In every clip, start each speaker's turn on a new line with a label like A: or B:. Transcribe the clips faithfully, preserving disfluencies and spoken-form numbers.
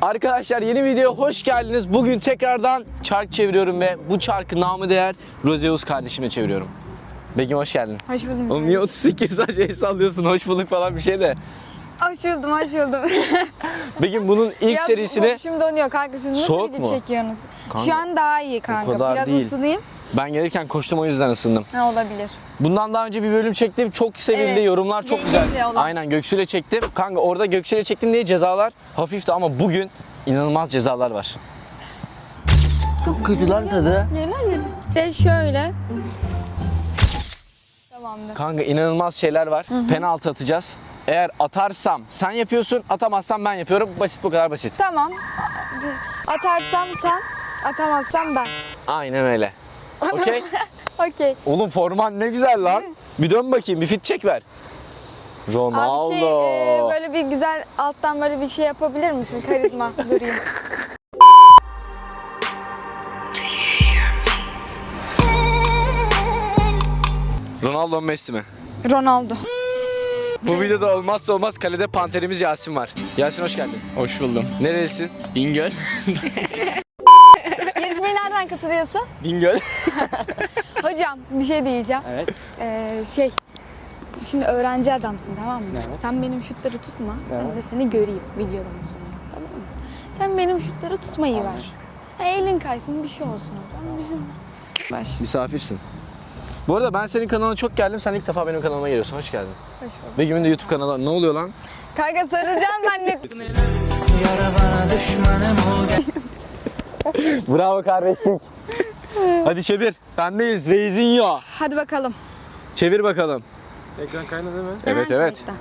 A: Arkadaşlar yeni videoya hoş geldiniz. Bugün tekrardan çark çeviriyorum ve bu çarkı namı değer Rozeus kardeşimle çeviriyorum. Begüm hoş geldin.
B: Hoş buldum.
A: Oğlum niye otuz sekiz sadece el sallıyorsun? Hoş bulduk falan bir şey de.
B: Hoş buldum, hoş buldum.
A: Begüm bunun ilk
B: ya,
A: serisini...
B: Şimdi donuyor kanka, siz nasıl
A: Soğuk
B: video
A: mu?
B: çekiyorsunuz?
A: Kanka,
B: Şu an daha iyi kanka.
A: kadar
B: Biraz
A: değil.
B: ısınayım.
A: Ben gelirken koştum o yüzden ısındım.
B: Ne olabilir?
A: Bundan daha önce bir bölüm çektim. Çok sevildi.
B: Evet,
A: Yorumlar çok güzel.
B: yengeyle olan.
A: Aynen Göksu'yla çektim. Kanka orada Göksu'yla çektim diye cezalar hafifti ama bugün inanılmaz cezalar var. Çok kötü lan tadı.
B: Yela yela. De şöyle. Tamamdır.
A: Kanka inanılmaz şeyler var. Hı hı. Penaltı atacağız. Eğer atarsam sen yapıyorsun, atamazsam ben yapıyorum. Basit, bu kadar basit.
B: Tamam. Atarsam sen, atamazsam ben.
A: Aynen öyle. Okey?
B: Okey.
A: Oğlum forman ne güzel lan. Bir dön bakayım, bir fit çek ver. Ronaldo.
B: Abi şey, e, böyle bir güzel alttan böyle bir şey yapabilir misin? Karizma durayım.
A: Ronaldo mu Messi mi?
B: Ronaldo.
A: Bu videoda olmazsa olmaz kalede panterimiz Yasin var. Yasin hoş geldin.
C: Hoş buldum.
A: Nerelisin?
C: Bingöl.
B: Yarışmaya nereden katılıyorsun?
A: Bingöl.
B: Hocam bir şey diyeceğim.
C: Evet.
B: Ee, şey, şimdi öğrenci adamsın, tamam mı?
C: Evet.
B: Sen benim şutları tutma,
C: Evet.
B: ben de seni göreyim videodan sonra, tamam mı? Sen benim şutları tutmayı ver. Ha, elin kaysın, bir şey olsun hocam, bir şey olsun. Baş.
A: Misafirsin. Bu arada ben senin kanalına çok geldim. Sen ilk defa benim kanalıma geliyorsun. Hoş geldin.
B: Hoş bulduk.
A: Begüm'ün de YouTube kanalı. Ne oluyor lan?
B: Kanka sarılacaksın zannettim.
A: Bravo kardeşlik. Hadi çevir. Bendeyiz. Reizinho.
B: Hadi bakalım.
A: Çevir bakalım.
C: Ekran kaynadı değil mi?
A: Evet,
B: Aha,
A: evet.
B: kayıtta.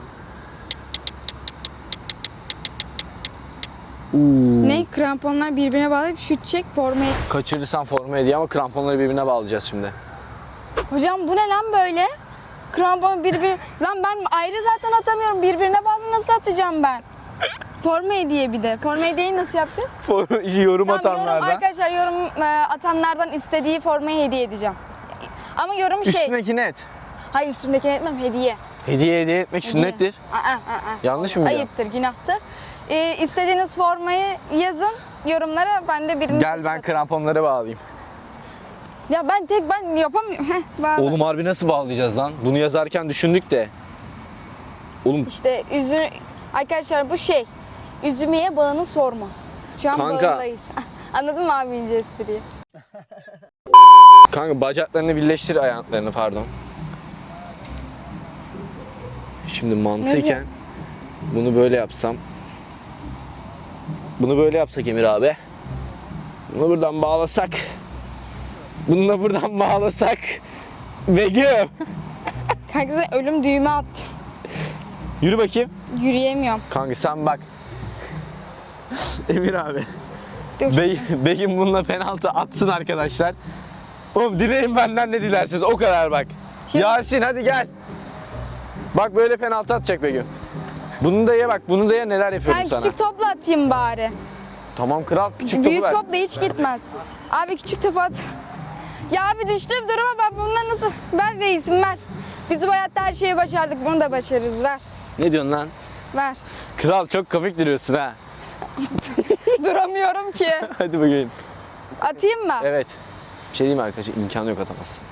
A: Uuu.
B: Ne? Kramponlar birbirine bağlayıp şut çek, formayı.
A: Kaçırırsan forma hediye ama kramponları birbirine bağlayacağız şimdi.
B: Hocam bu ne lan böyle? Krampon birbirine... Lan ben ayrı zaten atamıyorum. Birbirine bağlı nasıl atacağım ben? Forma hediye bir de. Forma hediyeyi nasıl yapacağız?
A: yorum
B: Tamam, yorum,
A: atanlardan.
B: arkadaşlar yorum e, atanlardan istediği formayı hediye edeceğim. Ama yorum şey...
A: Üstündeki net.
B: Hayır, üstündekini etmem, hediye.
A: Hediye hediye etmek
B: Hediye.
A: sünnettir.
B: Aa, aa, aa.
A: Yanlış mı biliyorum?
B: Ayıptır, günahtır. Ee, istediğiniz formayı yazın yorumlara, ben de birini
A: Gel
B: seçip
A: ben
B: atayım.
A: kramponları bağlayayım.
B: Ya ben tek ben yapamıyorum. Heh, bağla.
A: Oğlum harbi nasıl bağlayacağız lan? Bunu yazarken düşündük de. Oğlum
B: İşte üzüm... Arkadaşlar bu şey, üzümeye bağını sorma. Şu an
A: Kanka.
B: bağındayız. Anladın mı abi ince espriyi?
A: kanka bacaklarını birleştir, ayaklarını pardon. Şimdi mantıken bunu böyle yapsam. Bunu böyle yapsak Emir abi. Bunu buradan bağlasak. Bunu da buradan bağlasak. Begüm.
B: Kanka sen ölüm düğme attın.
A: Yürü bakayım.
B: Yürüyemiyorum.
A: Kanka sen bak. Emir abi.
B: Dur.
A: Be Begüm bununla penaltı atsın arkadaşlar. Oğlum dileyin benden ne dilerseniz, o kadar bak.
B: Şimdi-
A: Yasin hadi gel. Bak böyle penaltı atacak Begüm. Bunu da ye bak, bunu da ye, neler yapıyorum
B: Ben
A: sana.
B: küçük topla atayım bari.
A: Tamam kral, küçük topu
B: Büyük
A: ver.
B: top da hiç gitmez. Abi küçük top at. Ya abi düştüm duruma, ben bundan nasıl... Ver reisim ver. Biz bu hayatta her şeyi başardık, bunu da başarırız, ver.
A: Ne diyorsun lan?
B: Ver.
A: Kral çok komik duruyorsun ha.
B: Duramıyorum ki.
A: Hadi bakayım.
B: Atayım mı?
A: Evet. Bir şey diyeyim mi arkadaşlar? İmkanı yok, atamazsın.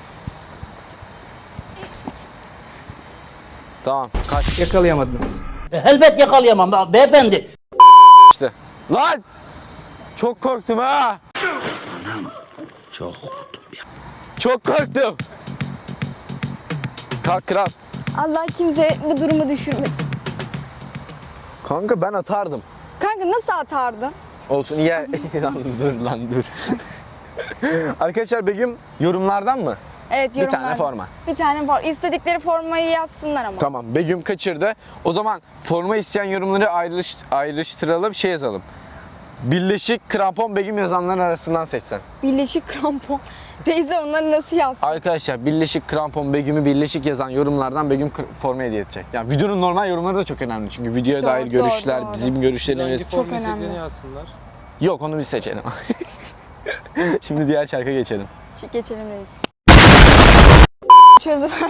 A: Tamam. Kaç.
C: Yakalayamadınız.
D: Elbet yakalayamam be- beyefendi.
A: İşte. Lan! Çok korktum ha.
D: Çok korktum ya.
A: Çok korktum. Kalk kral.
B: Allah kimse bu durumu düşürmesin.
A: Kanka ben atardım.
B: Kanka nasıl atardın?
A: Olsun ya. Lan dur lan dur. Arkadaşlar Begüm yorumlardan mı?
B: Evet,
A: Bir
B: yorumlarda.
A: tane forma.
B: Bir tane forma. İstedikleri formayı yazsınlar ama.
A: Tamam, Begüm kaçırdı. O zaman forma isteyen yorumları ayrılış, ayrıştıralım, şey yazalım. Birleşik krampon Begüm yazanların arasından seçsen.
B: Birleşik krampon. Reise onları nasıl yazsın?
A: Arkadaşlar birleşik krampon Begüm'ü birleşik yazan yorumlardan Begüm kr- forma hediye edecek. Yani videonun normal yorumları da çok önemli. Çünkü videoya
B: Doğru,
A: dair
B: doğru,
A: görüşler,
B: doğru.
A: bizim görüşlerimiz.
C: Hangi
B: Çok
C: formu
B: önemli.
C: istediğini yazsınlar.
A: Yok, onu biz seçelim. Şimdi diğer şarkıya geçelim.
B: Çık geçelim reis. Çözüver.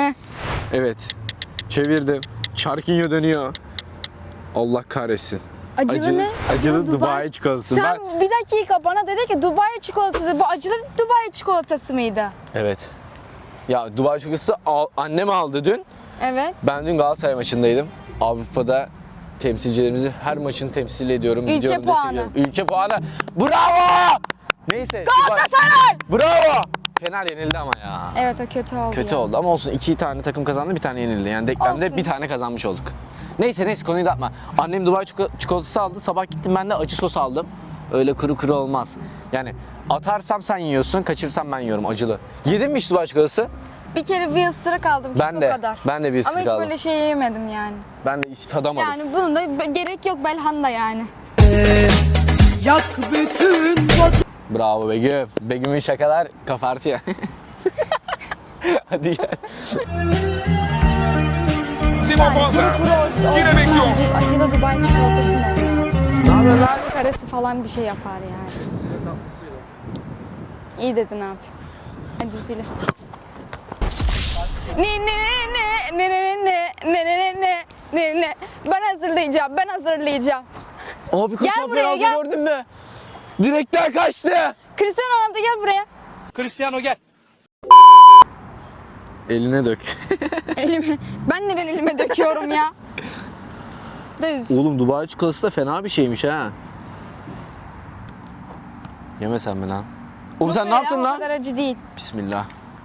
A: Evet. Çevirdim. Çarkinyo dönüyor. Allah kahretsin.
B: Acılı, ne?
A: Acılı Dubai çikolatası.
B: Sen
A: Ben-
B: bir dakika bana dedi ki Dubai çikolatası. Bu acılı Dubai çikolatası mıydı?
A: Evet. Ya Dubai çikolatası al- annem aldı dün.
B: Evet.
A: Ben dün Galatasaray maçındaydım. Avrupa'da temsilcilerimizi her maçını temsil ediyorum.
B: Ülke
A: gidiyorum,
B: puanı.
A: destekliyorum. Ülke puanı. Bravo! Neyse.
B: Galatasaray!
A: Dubai- Bravo! Fener yenildi ama ya.
B: Evet, o kötü oldu.
A: Kötü
B: ya.
A: oldu ama olsun. İki tane takım kazandı, bir tane yenildi. Yani denklemde
B: Olsun.
A: bir tane kazanmış olduk. Neyse neyse konuyu dağıtma. Annem Dubai çiko- çikolatası aldı. Sabah gittim ben de acı sos aldım. Öyle kuru kuru olmaz. Yani atarsam sen yiyorsun, kaçırsam ben yiyorum acılı. Yedin mi hiç Dubai çikolatası?
B: Bir kere bir ısırık aldım.
A: Ben
B: o
A: de.
B: kadar.
A: Ben de bir ısırık
B: Ama hiç
A: aldım.
B: böyle şey yemedim yani.
A: Ben de hiç tadamadım.
B: Yani bunun da be- gerek yok Belhanda yani.
C: Yak bütün
A: Bravo Begüm. Begüm'ün şakalar kafartı ya. Hadi gel.
E: Simon Banza.
B: Kuru o,
E: Yine
B: o
E: bekliyor.
B: değil, acılı Dubai çikolatası mı oluyor?
A: Ne yapıyorsun lan?
B: Tavuk arası falan bir şey yapar yani. İyi dedin abi. Acısıyla. Ne ne ne ne ne ne ne ne ne ne ne ne ben hazırlayacağım ben hazırlayacağım.
A: Abi koş
B: Gel
A: abi,
B: buraya,
A: penaltı
B: gel.
A: gördün mü? Direkten kaçtı.
B: Cristiano Ronaldo gel buraya.
E: Cristiano gel.
A: Eline dök.
B: Elime, ben neden elime döküyorum ya? Düz.
A: Oğlum Dubai çikolatası da fena bir şeymiş ha. Yeme sen mi lan? Oğlum sen ne
B: Böyle
A: yaptın
B: ama O
A: lan?
B: kadar acı değil.
A: Bismillah.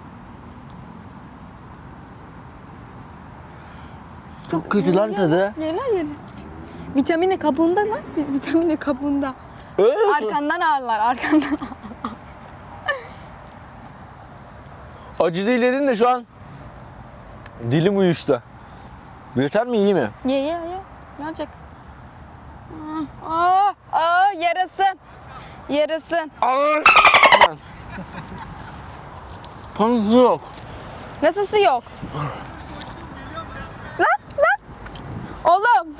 A: Çok kötü lan tadı.
B: Ye lan ye. Vitamini kabuğunda lan. vi- Vitamini kabuğunda. Arkandan ağırlar arkandan.
A: Acı değil dedin de şu an dilim uyuştu. Yeter mi, iyi mi?
B: Ye ye ye. Ne olacak? Hmm. Aa, aa, yarasın. Yarasın.
A: Aman. Tam su yok.
B: Nasıl su yok? Lan lan. Oğlum.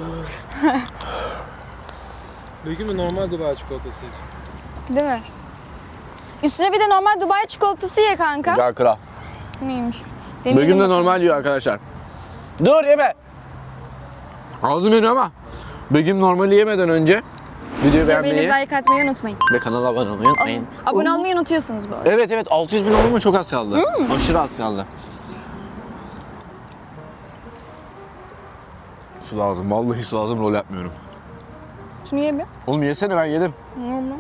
C: Begüm'ün normal Dubai çikolatası için.
B: Değil mi? Üstüne bir de normal Dubai çikolatası ye kanka.
A: Gel kral.
B: Neymiş? Deneyelim
A: Begüm de
B: bakalım.
A: normal yiyor arkadaşlar. Dur yeme. Ağzım yanıyor ama Begüm normali yemeden önce videoyu beğenmeyi
B: Beğenip like atmayı unutmayın.
A: ve kanala abone olmayı unutmayın.
B: Abone olmayı unutuyorsunuz bu arada.
A: Evet evet altı yüz bin olma çok az kaldı. Aşırı az kaldı. Su lazım. Vallahi su lazım, rol yapmıyorum.
B: Şunu ye bir.
A: Oğlum yesene, ben yedim.
B: Ne oldu?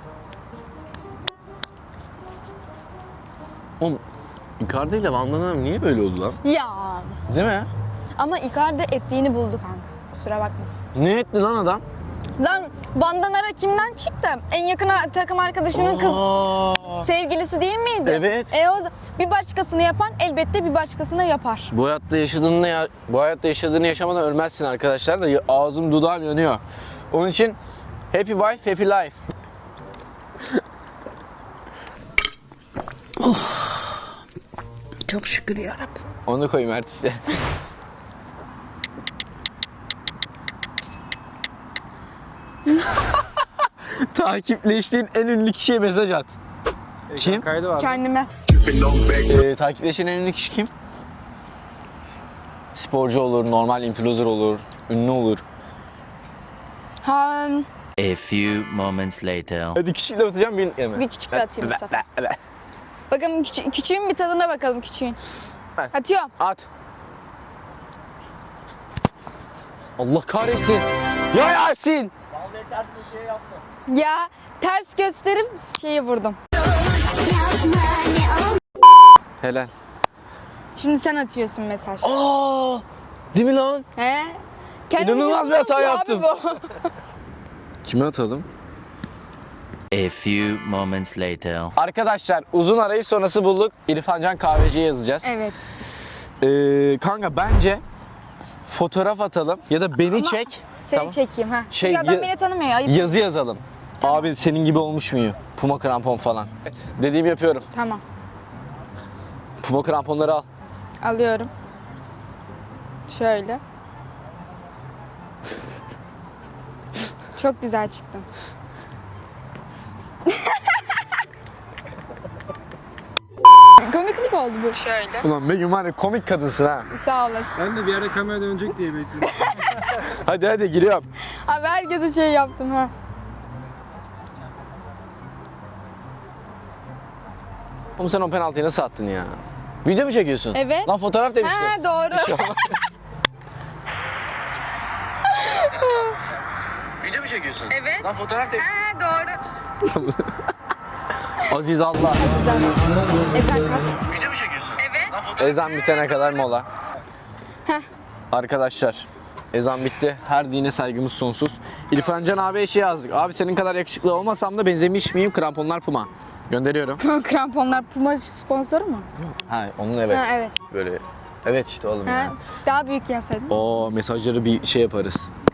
A: Oğlum Icardi ile Van Damme niye böyle oldu lan?
B: Ya.
A: Değil mi?
B: Ama Icardi ettiğini buldu kanka. Kusura bakmasın.
A: Ne etti lan adam?
B: Lan Vandanara kimden çıktı? En yakın a- takım arkadaşının kız
A: Aa,
B: sevgilisi değil miydi?
A: Evet.
B: E o z- bir başkasını yapan elbette bir başkasına yapar.
A: bu hayatta yaşadığını ya, bu hayatta yaşadığını yaşamadan ölmezsin arkadaşlar da ya- ağzım dudağım yanıyor. Onun için happy wife happy life.
D: Çok şükür yarabbim.
A: Onu koyayım Mert işte. Takipleştiğin en ünlü kişiye mesaj at. Kim?
C: Kaydı var.
B: Kendime.
A: Ee, takipleşen en ünlü kişi kim? Sporcu olur, normal influencer olur, ünlü olur.
B: Ha,
F: A few moments later.
A: Hadi kişiyle atacağım bir yeme.
B: bir küçük de atayım bu sefer. Bakalım küçü- küçüğün bir tadına bakalım küçüğün.
A: Evet.
B: Atıyorum.
A: At. Allah kahretsin. Ya Yasin.
B: Ya ters gösterip şeyi vurdum.
A: Helal.
B: Şimdi sen atıyorsun mesaj.
A: Aa! Değil mi lan?
B: He? Kendi
A: İnanılmaz
B: videosunu
A: bir hata
B: atıyor
A: yaptım.
B: abi bu.
A: Kime atalım?
F: A few moments later.
A: Arkadaşlar uzun arayış sonrası bulduk. İrfan Can Kahveci'ye yazacağız.
B: Evet.
A: Ee, kanka bence fotoğraf atalım ya da beni çek.
B: Seni
A: Tamam.
B: çekeyim ha.
A: Şey,
B: Çünkü adam
A: ya-
B: beni tanımıyor. Ayıp.
A: Yazı yazalım. Abi senin gibi olmuş muyum? Puma krampon falan. Evet, dediğimi yapıyorum.
B: Tamam.
A: Puma kramponları al.
B: Alıyorum. Şöyle. Çok güzel çıktın. Komiklik oldu bu. Şöyle.
A: Ulan Begüm var ya, komik kadınsın ha.
B: Sağ olasın.
C: Sen de bir yerde kamera dönecek diye bekliyorum.
A: Hadi hadi giriyorum.
B: Abi herkese şey yaptım ha.
A: Oğlum sen o penaltıyı nasıl attın ya? Video mu çekiyorsun?
B: Evet.
A: Lan fotoğraf demiştim.
B: Ha doğru.
A: Video mu çekiyorsun?
B: Evet.
A: Lan fotoğraf demiştim.
B: Ha doğru.
A: Aziz Allah.
B: Ezan kaç?
A: Video mu çekiyorsun?
B: Evet.
A: Ezan bitene kadar mola.
B: Heh.
A: Arkadaşlar ezan bitti. Her dine saygımız sonsuz. İrfan Can abiye şey yazdık. Abi senin kadar yakışıklı olmasam da benzemiş miyim? Kramponlar Puma. Gönderiyorum.
B: Kramponlar Puma sponsoru mu?
A: Ha onun evet.
B: Ha evet.
A: Böyle. Evet işte oğlum
B: Ha,
A: ya.
B: daha büyük yazsaydın.
A: O mesajları bir şey yaparız.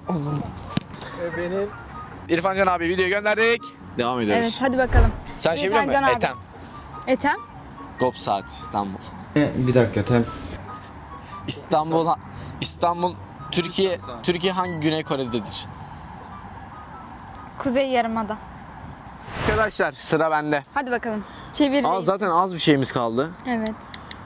C: Benim
A: İrfan Can abi videoyu gönderdik. Devam ediyoruz.
B: Evet hadi bakalım.
A: Sen şey
B: İrfan
A: biliyor
B: Can
A: musun?
B: abi.
A: Etem.
B: Etem?
A: Gop Saat İstanbul.
G: Bir dakika tem.
A: İstanbul İstanbul Türkiye Türkiye hangi Güney Kore'dedir?
B: Kuzey Yarımada.
A: Arkadaşlar sıra bende.
B: Hadi bakalım. Çevir
A: Aa,
B: reis.
A: zaten az bir şeyimiz kaldı.
B: Evet.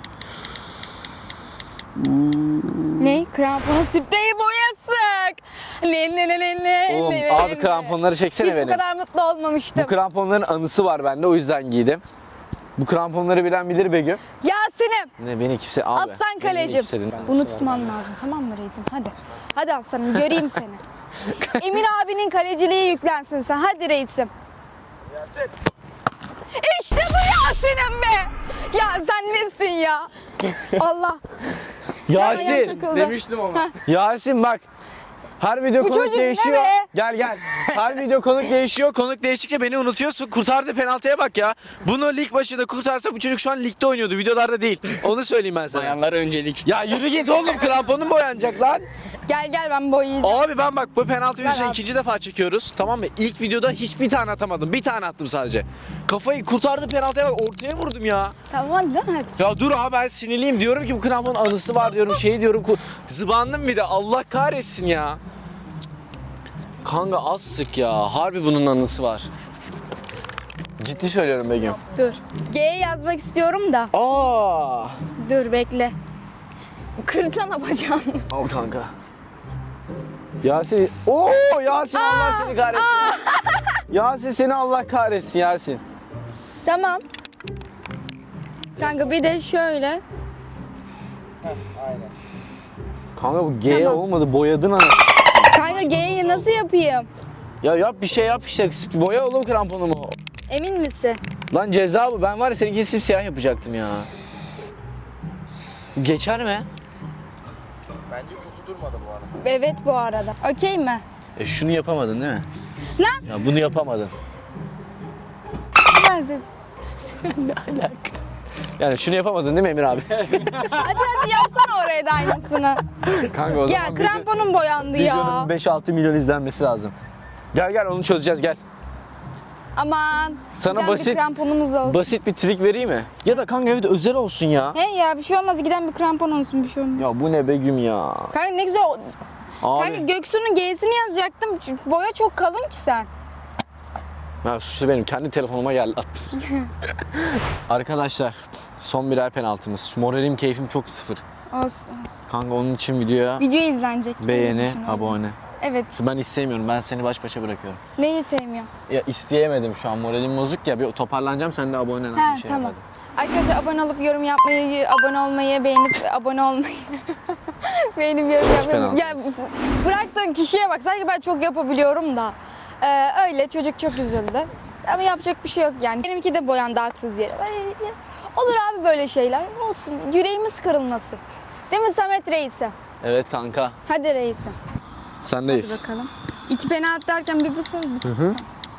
B: Ne? Kramponun spreyi boyasak. Ne ne ne ne ne
A: Oğlum
B: ne,
A: abi
B: ne.
A: kramponları çeksene
B: Hiç
A: benim.
B: bu kadar mutlu olmamıştım.
A: Bu kramponların anısı var bende o yüzden giydim. Bu kramponları bilen bilir Begüm.
B: Yasin'im.
A: Ne beni kimse abi.
B: Aslan
A: beni
B: kalecim.
A: kimse dinlemez.
B: Bunu tutman lazım tamam mı reisim? Hadi. Hadi aslanım göreyim seni. Emir abinin kaleciliği yüklensin sen. Hadi reisim. Yasin. İşte bu Yasin'im be. Ya sen nesin ya? Allah. Yaş
A: Yasin.
B: takıldı.
C: demiştim ama.
A: Yasin bak. Her video
B: Bu
A: konuk
B: çocuk ne
A: değişiyor.
B: be?
A: Gel gel. Her video konuk değişiyor. Konuk değiştikçe beni unutuyorsun. Kurtardı penaltıya bak ya. Bunu lig başında kurtarsa bu çocuk şu an ligde oynuyordu. Videolarda değil. Onu söyleyeyim ben sana.
E: Bayanlar öncelik.
A: Ya yürü git oğlum kramponun boyanacak lan.
B: Gel gel ben boyayacağım.
A: Abi ben bak bu penaltı yüzünden
B: abi.
A: ikinci defa çekiyoruz. Tamam mı? İlk videoda hiçbir tane atamadım. Bir tane attım sadece. Kafayı kurtardı penaltıya bak ortaya vurdum ya.
B: Tamam hadi lan hadi.
A: Ya dur abi ben sinirliyim diyorum ki bu kramponun anısı var diyorum şey diyorum. ku- Zıbandım bir de Allah kahretsin ya. Kanka az sık ya. Harbi bunun anısı var. Ciddi söylüyorum Begüm.
B: Dur. G yazmak istiyorum da.
A: Aa!
B: Dur bekle. Kırsana bacağını.
A: Al kanka. Yasin. Oo Yasin Allah seni kahretsin. Yasin seni Allah kahretsin Yasin.
B: Tamam. Kanka bir de şöyle.
A: Kanka bu G
B: Tamam.
A: olmadı boyadın anasını.
B: Kanka G'yi nasıl yapayım?
A: Ya yap bir şey yap işte. Boya oğlum kramponumu.
B: Emin misin?
A: Lan ceza bu. Ben var ya seninkini simsiyah yapacaktım ya. Geçer mi?
B: Evet bu arada. Okey mi?
A: E şunu yapamadın değil mi?
B: Lan
A: Ya bunu yapamadın.
B: ben seni-
A: Yani şunu yapamadın değil mi Emir abi?
B: Hadi hadi yapsana oraya da aynısını.
A: Kanka o
B: Ya
A: zaman
B: kramponum boyandı ya.
A: videonun beş altı milyon izlenmesi lazım. Gel gel onu çözeceğiz gel.
B: Aman.
A: Sana
B: giden
A: basit-
B: bir kramponumuz olsun.
A: Basit bir trik vereyim mi? Ya da kanka evet özel olsun ya.
B: He ya bir şey olmaz giden bir krampon olsun bir şey olmaz.
A: Ya bu ne Begüm ya.
B: Kanka ne güzel. o-
A: Abi.
B: Kanka Göksu'nun G'sini yazacaktım. Çünkü boya çok kalın ki sen.
A: Ya suçlu benim kendi telefonuma geldi attım. Arkadaşlar son birer penaltımız. Moralim keyfim çok sıfır.
B: Olsun olsun.
A: Kanka onun için videoya
B: Video izlenecek. gibi
A: beğeni,
B: düşünüyorum.
A: abone.
B: Evet.
A: Ben istemiyorum. Ben seni baş başa bırakıyorum.
B: Neyi sevmiyorum?
A: Ya isteyemedim şu an. Moralim bozuk ya. Bir toparlanacağım. Sen de abone ol.
B: Ha
A: bir şey
B: tamam.
A: yap
B: Arkadaşlar abone olup yorum yapmayı, abone olmayı, beğenip abone olmayı, beğenip yorum yapmayı.
A: penaltı.
B: Ya bıraktığın kişiye bak. Sanki ben çok yapabiliyorum da. Ee, öyle çocuk çok üzüldü. Ama yapacak bir şey yok yani. Benimki de boyandı haksız yere. Böyle- Olur abi böyle şeyler. Olsun. Yüreğimiz kırılmasın. Değil mi Samet Reis'e?
A: hadi. Evet kanka.
B: Hadi Reis'e.
A: Sendeyiz.
B: Hadi bakalım. İki penaltı derken bir basar mısın?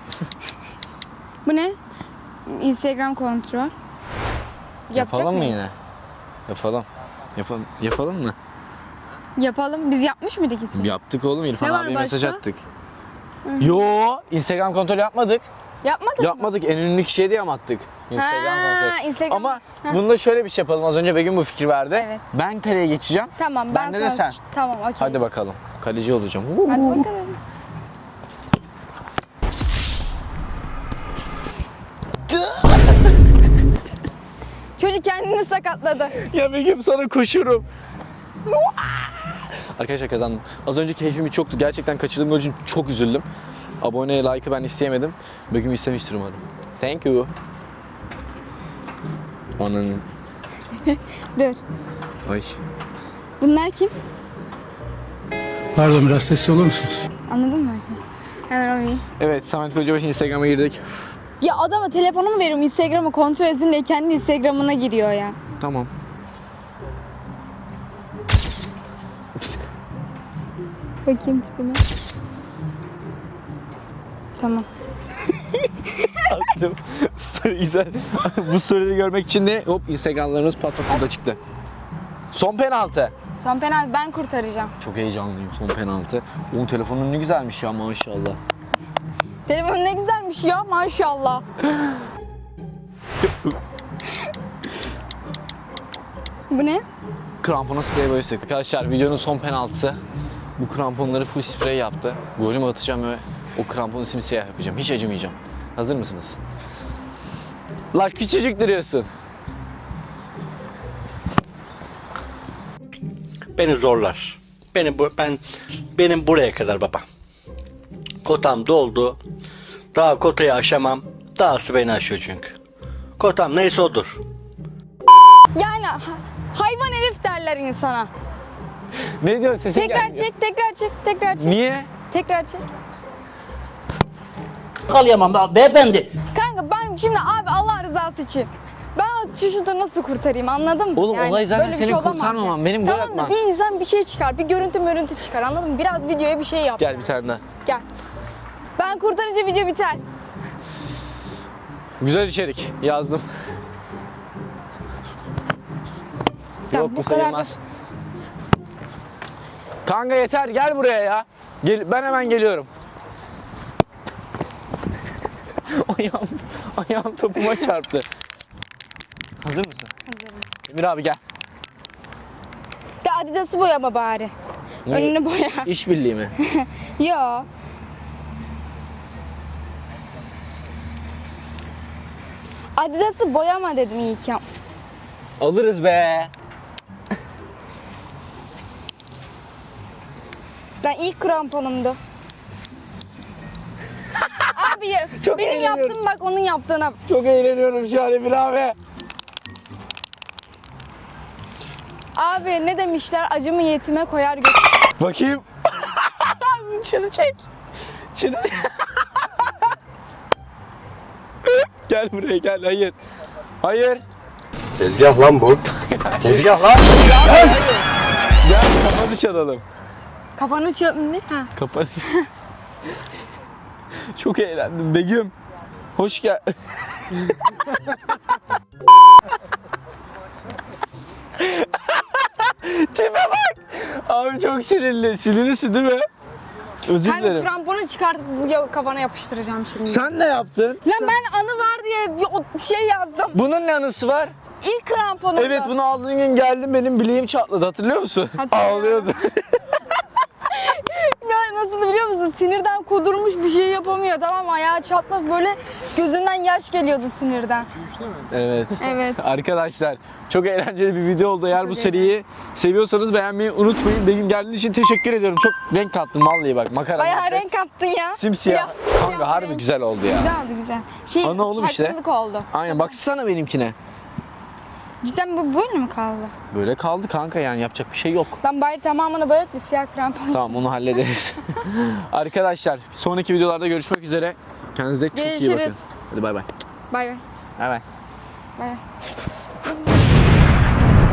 B: Bu ne? Instagram kontrol. Yapacak
A: Yapalım mı
B: mıyım?
A: yine? Yapalım. Yapalım. Yapalım mı?
B: Yapalım. Biz yapmış mıydık ikisini?
A: Yaptık oğlum. İrfan
B: Ne var
A: abiye mesaj
B: başka?
A: attık. Yo, Instagram kontrol yapmadık.
B: Yapmadık mı?
A: Yapmadık. En ünlü kişiye diye mi attık? Instagram
B: Ha,
A: kontrol.
B: Instagram-
A: Ama
B: Ha.
A: bunda şöyle bir şey yapalım. Az önce Begüm bu fikir verdi.
B: Evet.
A: Ben kaleye geçeceğim.
B: Tamam ben
A: Bende de
B: sana...
A: sen.
B: Tamam okey.
A: Hadi bakalım. Kaleci olacağım.
B: Hadi bakalım. Çocuk kendini sakatladı.
A: Ya Begüm sana koşurum. Arkadaşlar kazandım. Az önce keyfim hiç yoktu. Gerçekten kaçırdığım gol için çok üzüldüm. Abone, like'ı ben isteyemedim. Begüm istemiştir umarım. Thank you. Ananın.
B: Dur.
A: Ay.
B: Bunlar kim?
C: Pardon biraz sesli olur musunuz?
B: Anladın mı? Hemen oynayayım.
A: Evet, Samet Kocabaş Instagram'a girdik.
B: Ya adama telefonumu veriyorum Instagram'ı kontrol etsin diye kendi Instagram'ına giriyor ya.
A: Tamam.
B: Bakayım tipime. Tamam.
A: Attım. Story güzel. Bu storyleri görmek için de hop Instagramlarımız pat pat burada çıktı. Son penaltı.
B: Son penaltı ben kurtaracağım.
A: Çok heyecanlıyım son penaltı. Onun telefonun ne güzelmiş ya maşallah.
B: Telefon ne güzelmiş ya maşallah. Bu ne?
A: Krampona sprey boyası. Arkadaşlar videonun son penaltısı. Bu kramponları full sprey yaptı. Golümü atacağım ve o kramponu simsiyah yapacağım. Hiç acımayacağım. Hazır mısınız? La küçücük duruyorsun.
G: Beni zorlar. Beni bu, ben benim buraya kadar baba. Kotam doldu. Daha kotayı aşamam. Dahası beni aşıyor çünkü. Kotam neyse odur.
B: Yani ha- hayvan herif derler insana.
A: Ne diyorsun sesin
B: Tekrar
A: gelmiyor.
B: çek, tekrar çek, tekrar çek.
A: Niye?
B: Tekrar çek.
D: Yakalayamam be- beyefendi.
B: Kanka ben şimdi abi Allah rızası için. Ben o çocuğu nasıl kurtarayım anladın mı?
A: Oğlum, olay zaten
B: böyle bir
A: senin
B: olamaz
A: kurtarmaman,
B: ya.
A: benim gol
B: tamam da
A: atman.
B: bir insan bir şey çıkar, bir görüntü mörüntü çıkar anladın mı? Biraz videoya bir şey yap.
A: Gel bir tane daha.
B: Gel. Ben kurtarınca video biter.
A: Güzel içerik yazdım.
B: Tamam,
A: Yok
B: bu
A: bu
B: kadar da-
A: sayılmaz. Kanka yeter gel buraya ya. Gel, ben hemen geliyorum. ayağım, ayağım topuma çarptı. Hazır mısın?
B: Hazırım.
A: Emir abi gel.
B: De Adidas'ı boyama bari.
A: Ne?
B: Önünü boya.
A: İşbirliği mi?
B: Yo. Adidas'ı boyama dedim iyi ki.
A: Alırız be.
B: Ben ilk kramponumdu. Abi ya,
A: Çok
B: benim
A: eğleniyorum.
B: yaptığım bak onun yaptığına.
A: Çok eğleniyorum şu an Emir abi.
B: Abi ne demişler acımı yetime koyar götür.
A: Bakayım. Şunu çek. Şunu çek. Gel buraya gel hayır. Hayır.
G: Tezgah lan bu. Tezgah lan.
A: Gel kafanı çalalım.
B: Kafanı çöp ne? Ha.
A: Kapanış. Çok eğlendim Begüm. Hoş gel. Tipe bak. Abi çok sinirli. Sinirlisin değil mi? Özür
B: Kanka
A: dilerim.
B: kramponu çıkartıp bu ya- kafana yapıştıracağım şimdi.
A: Sen ne yaptın?
B: Lan ben anı var diye bir o- şey yazdım.
A: Bunun ne anısı var?
B: İlk kramponumdu.
A: Evet bunu aldığın gün geldim benim bileğim çatladı hatırlıyor musun?
B: Hatırlıyorum.
A: Ağlıyordu.
B: Ya nasıl biliyor musun? Sinirden kudurmuş bir şey yapamıyor tamam mı? Ayağı çatlak böyle gözünden yaş geliyordu sinirden.
A: Evet.
B: Evet.
A: Arkadaşlar çok eğlenceli bir video oldu. Eğer bu seriyi seviyorsanız beğenmeyi unutmayın. Begüm geldiğin için teşekkür ediyorum. Çok renk kattın vallahi bak makara.
B: Bayağı
A: mazda.
B: renk attın ya.
A: Simsiyah.
B: Siyah-
A: Kanka
B: siyah
A: harbi
B: renk.
A: güzel oldu ya.
B: Güzel oldu güzel. Şey,
A: Ana oğlum işte.
B: farklılık oldu.
A: Aynen baksana benimkine.
B: Cidden bu böyle mi kaldı?
A: Böyle kaldı kanka yani yapacak bir şey yok.
B: Ben bari tamamını boyat bir siyah krampon.
A: Tamam onu hallederiz. Arkadaşlar sonraki videolarda görüşmek üzere. Kendinize çok iyi bakın.
B: Görüşürüz.
A: Hadi bay bay.
B: Bay bay.
A: Bay bay.
B: Bay bay.